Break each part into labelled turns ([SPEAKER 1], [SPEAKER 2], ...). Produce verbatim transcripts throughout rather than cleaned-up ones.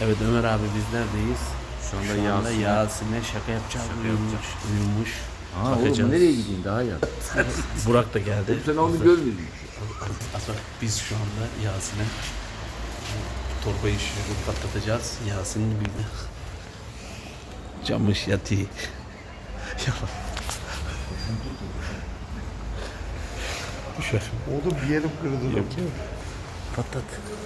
[SPEAKER 1] Evet Ömer abi biz neredeyiz?
[SPEAKER 2] Şu anda,
[SPEAKER 1] Şu anda
[SPEAKER 2] Yasin'e
[SPEAKER 1] Yasin'e şaka yapacağız.
[SPEAKER 2] Şaka
[SPEAKER 1] Uyumuş.
[SPEAKER 2] yapacağız.
[SPEAKER 1] Uyumuş.
[SPEAKER 2] Aa,
[SPEAKER 1] Bakacağız.
[SPEAKER 2] oğlum nereye gideyim daha ya?
[SPEAKER 1] Burak da geldi.
[SPEAKER 2] Sen onu görmedin.
[SPEAKER 1] Aslında biz şu anda Yasin'e torbayı şişirip patlatacağız. Yasin'in birine. Camış yatı. Düşer.
[SPEAKER 3] Oğlum bir yerim kırıldı.
[SPEAKER 1] Yok yok. Patlat.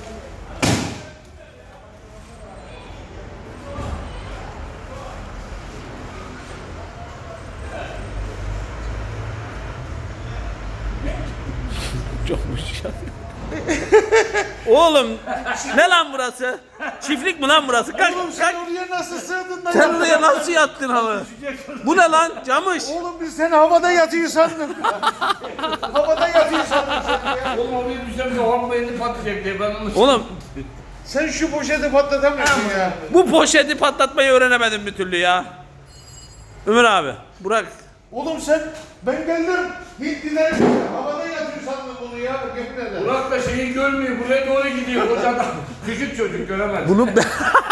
[SPEAKER 1] Camış yatı. Oğlum ne lan burası? Çiftlik mi lan burası? Kalk,
[SPEAKER 3] Oğlum sen
[SPEAKER 1] kalk.
[SPEAKER 3] oraya nasıl sığdın lan?
[SPEAKER 1] Sen buraya nasıl yattın abi? Bu ne lan? Camış.
[SPEAKER 3] Oğlum biz seni havada yatıyor sandık. Havada yatıyor sandık seni ya.
[SPEAKER 2] Oğlum oraya düşsem de orman elini patlayacak diye ben onu...
[SPEAKER 1] Oğlum
[SPEAKER 3] Sen şu poşeti patlatamıyorsun ya.
[SPEAKER 1] bu poşeti patlatmayı öğrenemedim bir türlü ya. Ömer abi, Burak.
[SPEAKER 3] Oğlum sen ben geldim Hintliler havada yatıyor sandım bunu ya. Yemin ederim.
[SPEAKER 2] Burak da şeyi görmüyor, buraya doğru gidiyor. Koca adam, küçük çocuk göremez.
[SPEAKER 1] Bunu ben...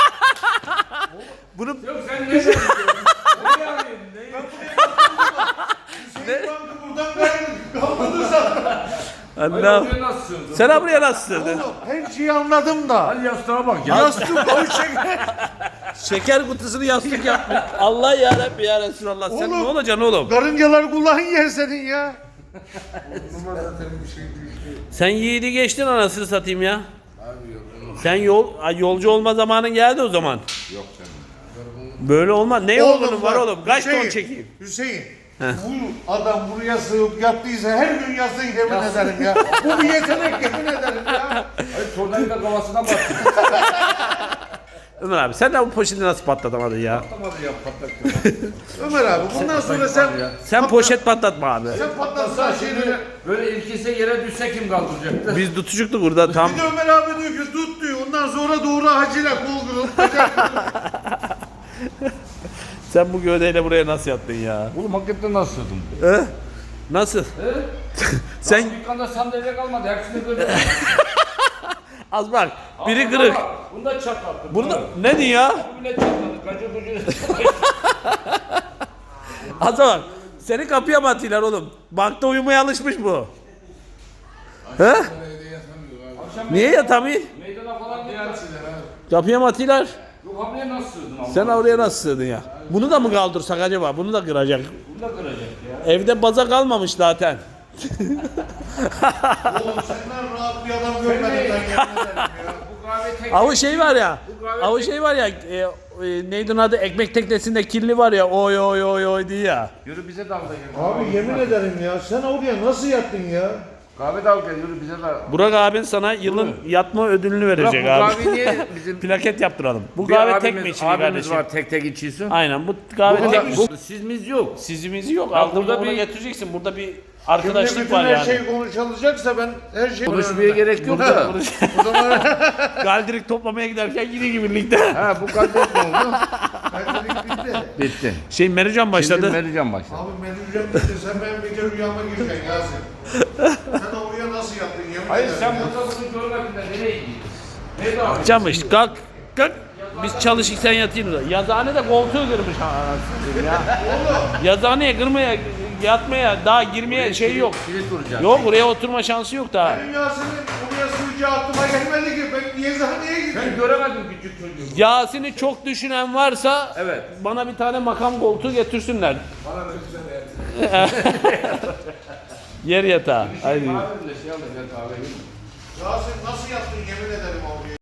[SPEAKER 1] Bunu
[SPEAKER 2] Yok sen ne diyorsun? Oraya arayın, ne?
[SPEAKER 3] Hüseyin Bankı buradan kaydı. Kalmadı sandım.
[SPEAKER 2] Hayır,
[SPEAKER 1] Allah.
[SPEAKER 2] oraya nasıl sığdın?
[SPEAKER 1] Sen buraya nasıl sığdın?
[SPEAKER 3] Oğlum her şeyi anladım da.
[SPEAKER 2] Hadi yastığa bak ya.
[SPEAKER 3] Yastık koy şeker.
[SPEAKER 1] Şeker kutusunu yastık yapmış. Allah ya Rabbi ya Resulallah. Sen
[SPEAKER 3] Oğlum.
[SPEAKER 1] ne olacaksın oğlum?
[SPEAKER 3] Karıncalar kulağın yer senin ya.
[SPEAKER 1] Sen yiğidi geçtin anasını satayım ya. Sen yol ay, yolcu olma zamanın geldi o zaman.
[SPEAKER 2] Yok canım.
[SPEAKER 1] Böyle olmaz. Ne yolunun var
[SPEAKER 3] bak,
[SPEAKER 1] oğlum? Kaç
[SPEAKER 3] Hüseyin,
[SPEAKER 1] ton çekeyim?
[SPEAKER 3] Hüseyin. Bu adam buraya sığıp yattıysa her gün yatsın yemin ederim ya. Bu bir yetenek yemin ederim ya.
[SPEAKER 2] Hayır tornayı da kafasına battı.
[SPEAKER 1] Ömer abi sen de bu poşeti nasıl patlatamadın ya?
[SPEAKER 2] Patlamadı ya patlattı.
[SPEAKER 3] Ömer abi bundan sonra sen
[SPEAKER 2] ya.
[SPEAKER 1] Sen poşet patlatma abi.
[SPEAKER 3] sen patlatsan şeyleri.
[SPEAKER 2] Böyle ilkise yere düşse kim kaldıracaktı?
[SPEAKER 1] Biz tutucuktuk burada tam.
[SPEAKER 3] Bir de Ömer abi diyor ki tut diyor. Ondan sonra doğru hacıyla kol kırılıp bacak kırılıp.
[SPEAKER 1] Sen bu gövdeyle buraya nasıl yattın ya?
[SPEAKER 2] Oğlum hakikaten nasıl sığdın?
[SPEAKER 1] He? Nasıl? Sen
[SPEAKER 2] Dükkanda sandalye kalmadı. Hepsini böyle.
[SPEAKER 1] az bak. Biri kırık.
[SPEAKER 2] Bunda çatlattı.
[SPEAKER 1] Burada ne diyor ya?
[SPEAKER 2] Bu bile çatladı. Gacı gucu.
[SPEAKER 1] Az bak. Seni kapıya mı atıyorlar oğlum? Bankta uyumaya alışmış bu. He? Niye yatamıyor?
[SPEAKER 2] Meydana falan gitmez.
[SPEAKER 1] Kapıya mı atıyorlar?
[SPEAKER 2] Yok hamleye nasıl sığdın ama?
[SPEAKER 1] Sen oraya nasıl sığdın ya? Bunu da mı kaldırsak acaba? Bunu da kıracak.
[SPEAKER 2] Bunu da kıracak ya.
[SPEAKER 1] Evde baza kalmamış zaten.
[SPEAKER 3] Oğlum senden rahat bir adam görmedim ben yemin ederim ya.
[SPEAKER 2] Bu kahve tek...
[SPEAKER 1] Avu şey var ya. Avu şey var ya. E, e, neydi onun adı? Ekmek teknesinde kirli var ya. Oy oy oy oy diye ya.
[SPEAKER 2] Yürü bize dalga gel.
[SPEAKER 3] Abi yemin ederim ya sen oraya nasıl yattın ya?
[SPEAKER 2] Kahve dalga yürü bize dalga.
[SPEAKER 1] Burak abin sana yılın yatma ödülünü
[SPEAKER 2] Burak
[SPEAKER 1] verecek
[SPEAKER 2] bu
[SPEAKER 1] abi.
[SPEAKER 2] kahve niye bizim...
[SPEAKER 1] Plaket yaptıralım. Bu
[SPEAKER 2] Bir
[SPEAKER 1] kahve tek
[SPEAKER 2] abimiz-
[SPEAKER 1] mi içiliyor
[SPEAKER 2] abimiz
[SPEAKER 1] kardeşim?
[SPEAKER 2] var tek tek içiyorsun.
[SPEAKER 1] Aynen bu kahve
[SPEAKER 2] Bu,
[SPEAKER 1] tek mi?
[SPEAKER 2] bu, sizimiz yok.
[SPEAKER 1] Sizimiz yok.
[SPEAKER 2] Ya
[SPEAKER 1] Aldığında
[SPEAKER 2] burada
[SPEAKER 1] bunu
[SPEAKER 2] bir-
[SPEAKER 1] getireceksin. Burada bir
[SPEAKER 3] Şimdi
[SPEAKER 1] arkadaşlık
[SPEAKER 3] bütün
[SPEAKER 1] var
[SPEAKER 3] her
[SPEAKER 1] yani.
[SPEAKER 3] şey konuşulacaksa ben her şeyi...
[SPEAKER 2] Konuşmaya gerek yok da.
[SPEAKER 3] O zaman
[SPEAKER 1] Galdirik toplamaya giderken yine gibi birlikte.
[SPEAKER 2] Ha bu kadar ne oldu?
[SPEAKER 3] benlik bitti.
[SPEAKER 2] Bitti.
[SPEAKER 1] Şey Merican başladı.
[SPEAKER 2] Şimdi Merican başladı.
[SPEAKER 3] Abi benim rüyam bitti. Sen benim bir kere rüyama gireceksin Yasin. Sen oraya nasıl yattın yemin
[SPEAKER 2] Hayır
[SPEAKER 3] ederim
[SPEAKER 2] sen
[SPEAKER 3] ya.
[SPEAKER 2] burada bunu görmedin de nereye gidiyorsun? Nerede abi?
[SPEAKER 1] Camış kalk. Kalk. Biz çalışık sen yatayım da. Yazıhane de koltuğu kırmış ha, anasını ya. Yazıhaneye kırmaya, yatmaya, daha girmeye şey yok.
[SPEAKER 2] Kilit vuracak.
[SPEAKER 1] Yok buraya oturma şansı yok daha.
[SPEAKER 3] Benim Yasin'in oraya sığacağı aklıma gelmedi ki. Ben yazıhaneye gittim.
[SPEAKER 2] Ben göremedim küçük çocuğu.
[SPEAKER 1] Yasin'i çok düşünen varsa
[SPEAKER 2] Evet.
[SPEAKER 1] bana bir tane makam koltuğu getirsinler.
[SPEAKER 2] Bana da güzel
[SPEAKER 1] Yer yatağı. Haydi.
[SPEAKER 2] Kahve bile şey alacak kahve.
[SPEAKER 3] Yasin nasıl yattın yemin ederim oraya.